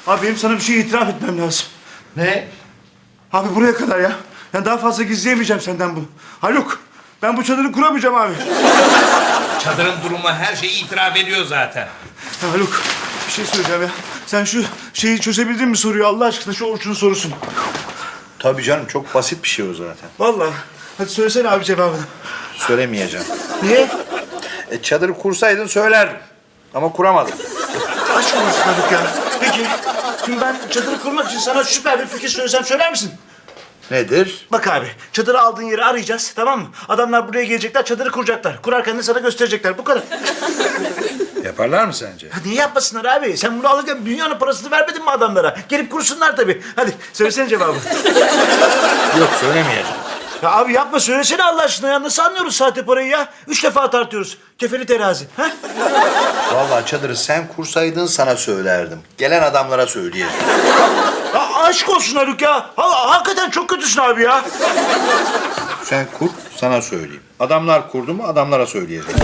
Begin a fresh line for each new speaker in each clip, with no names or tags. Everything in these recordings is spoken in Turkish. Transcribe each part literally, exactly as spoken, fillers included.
Abi benim sana bir şey itiraf etmem lazım.
Ne?
Abi buraya kadar ya. Yani daha fazla gizleyemeyeceğim senden bunu. Haluk, ben bu çadırı kuramayacağım abi.
Çadırın durumu her şeyi itiraf ediyor zaten.
Ya Haluk, bir şey söyleyeceğim ya. Sen şu şeyi çözebildin mi soruyu Allah aşkına, şu Orçun'un sorusunu.
Tabii canım, çok basit bir şey o zaten.
Vallahi. Hadi söylesene abi cevabını.
Söylemeyeceğim.
Niye?
E, çadırı kursaydın söylerdim. Ama kuramadım.
Aşk olsun Haluk ya. Peki, şimdi ben çadırı kurmak için sana süper bir fikir söylesem söyler misin?
Nedir?
Bak abi, çadırı aldığın yeri arayacağız, tamam mı? Adamlar buraya gelecekler, çadırı kuracaklar. Kurarken de sana gösterecekler, bu kadar.
Yaparlar mı sence?
Ya niye yapmasınlar abi? Sen bunu alırken dünyanın parasını vermedin mi adamlara? Gelip kursunlar tabii. Hadi, söylesene cevabı.
Yok, söylemeyeceğim.
Ya abi yapma, söylesene Allah aşkına ya. Nasıl anlıyoruz sahte parayı ya? Üç defa tartıyoruz. Kefeli terazi. Ha?
Vallahi çadırı sen kursaydın sana söylerdim. Gelen adamlara söyleyeceğim.
Ya aşk olsun Haluk ya. Ha, hakikaten çok kötüsün abi ya.
Sen kur, sana söyleyeyim. Adamlar kurdu mu adamlara söyleyeceğim.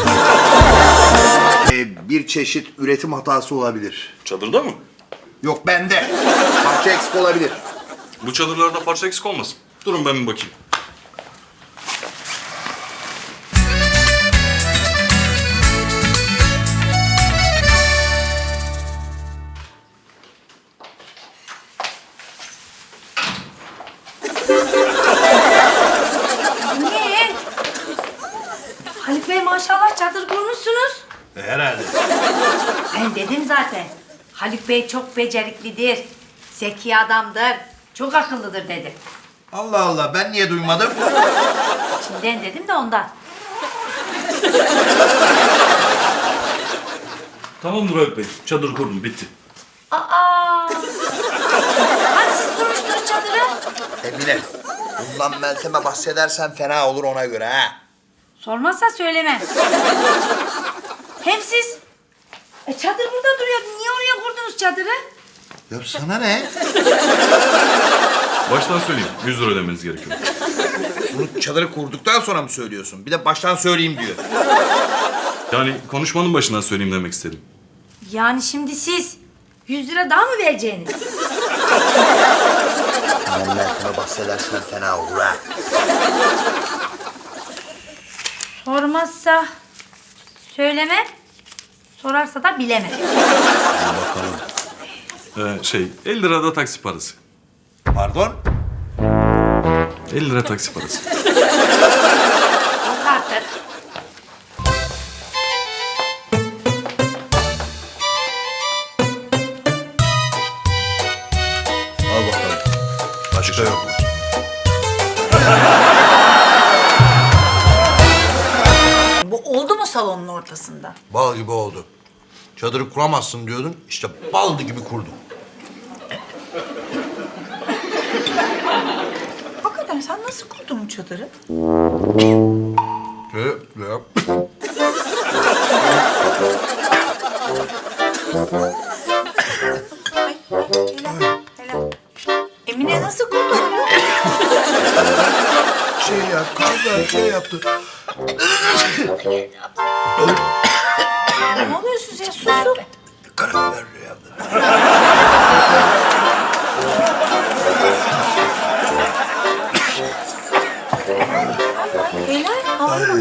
Ee, bir çeşit üretim hatası olabilir.
Çadırda mı?
Yok bende. Parça eksik olabilir.
Bu çadırlarda parça eksik olmasın. Durun ben bir bakayım.
Niye? Haluk Bey maşallah çadır kurmuşsunuz.
E, herhalde.
Ben dedim zaten. Haluk Bey çok beceriklidir. Zeki adamdır. Çok akıllıdır dedim.
Allah Allah, ben niye duymadım?
İçinden dedim de ondan.
Tamamdır Haluk Bey. Çadır kurdum. Bitti.
Aa! Hani siz kurmuştunuz çadırı?
Emine, bundan Meltem'e bahsedersen fena olur ona göre ha.
Sormazsa söylemem. Hem siz... E çadır burada duruyor. Niye oraya kurdunuz çadırı?
Ya sana ne?
Baştan söyleyeyim. yüz lira ödemeniz gerekiyor.
Bunu çadırı kurduktan sonra mı söylüyorsun? Bir de baştan söyleyeyim diyor.
Yani konuşmanın başından söyleyeyim demek istedim.
Yani şimdi siz yüz lira daha mı vereceğiniz?
Bundan Meltem'e bahsedersen fena olur ha.
Sormazsa söylemem. Sorarsa da bilemem.
Bakalım.
Ee, şey, elli lira da taksi parası.
Pardon?
elli lira taksi parası.
Yok artık.
Al bakalım. Başka yok mu?
Bu oldu mu salonun ortasında?
Bal gibi oldu. Çadırı kuramazsın diyordun, işte bal gibi kurdum.
Hakikaten sen nasıl kurdun bu çadırı?
Ne, ne yap?
Helal, helal. Emine nasıl kurdu onu?
Şey ya, kaldı, şey yaptı.
Ne oluyor siz ya? Susun.
Karabiber yaptı.
Helal, havalı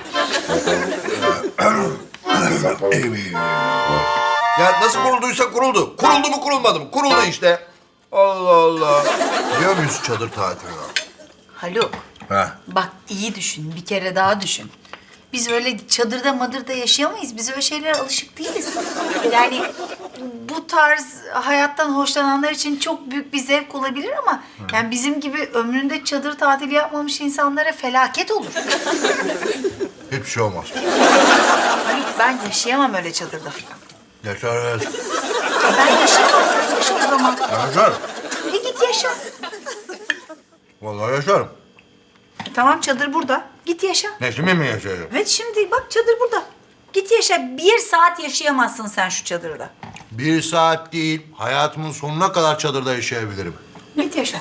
bak.
Ya nasıl kurulduysa kuruldu. Kuruldu mu kurulmadı mı? Kuruldu işte. Allah Allah. Diyor muyuz çadır tatiline?
Haluk,
Ha.
bak iyi düşün, bir kere daha düşün. Biz öyle çadırda madırda yaşayamayız. Biz öyle şeylere alışık değiliz. Yani bu tarz hayattan hoşlananlar için çok büyük bir zevk olabilir ama... ...yani bizim gibi ömründe çadır tatili yapmamış insanlara felaket olur.
Hiçbir şey olmaz.
Haluk, ben yaşayamam öyle çadırda falan.
Yaşarız.
Ben yaşayamam, sen yaşa o zaman.
Yaşarım.
E git yaşa.
Vallahi yaşarım.
Tamam, çadır burada. Git yaşa.
Ne şimdi mi yaşayacağım?
Evet, şimdi bak çadır burada. Git yaşa. Bir saat yaşayamazsın sen şu çadırda.
Bir saat değil, hayatımın sonuna kadar çadırda yaşayabilirim.
Git yaşa.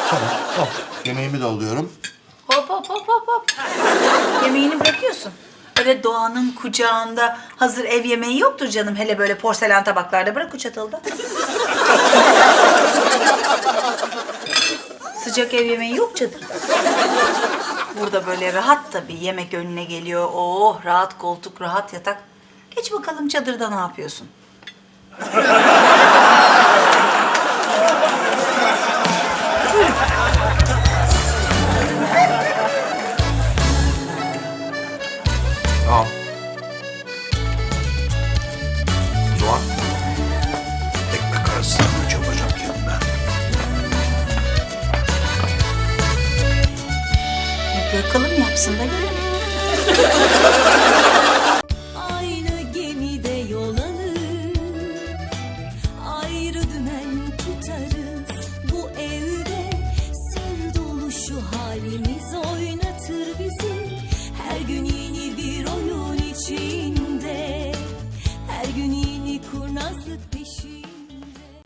Oh, yemeğimi de alıyorum.
Hop hop hop hop hop. Yemeğini bırakıyorsun. Öyle doğanın kucağında hazır ev yemeği yoktur canım. Hele böyle porselen tabaklarda. Bırak o çatalı da. Sıcak ev yemeği yok çadırda. Burada böyle rahat tabii. Yemek önüne geliyor. Oh, rahat koltuk, rahat yatak. Geç bakalım çadırda ne yapıyorsun?
Tamam. O zaman ekmek arası sandviç yapacağım kendime.
E, bırakalım yapsın da görelim.
Aynı gemide yol alır, ayrı dümen tutarız. Bu evde sır dolu şu halimiz oynatır bizi. Her gün yeni bir oyun içinde, her gün yeni kurnazlık peşinde.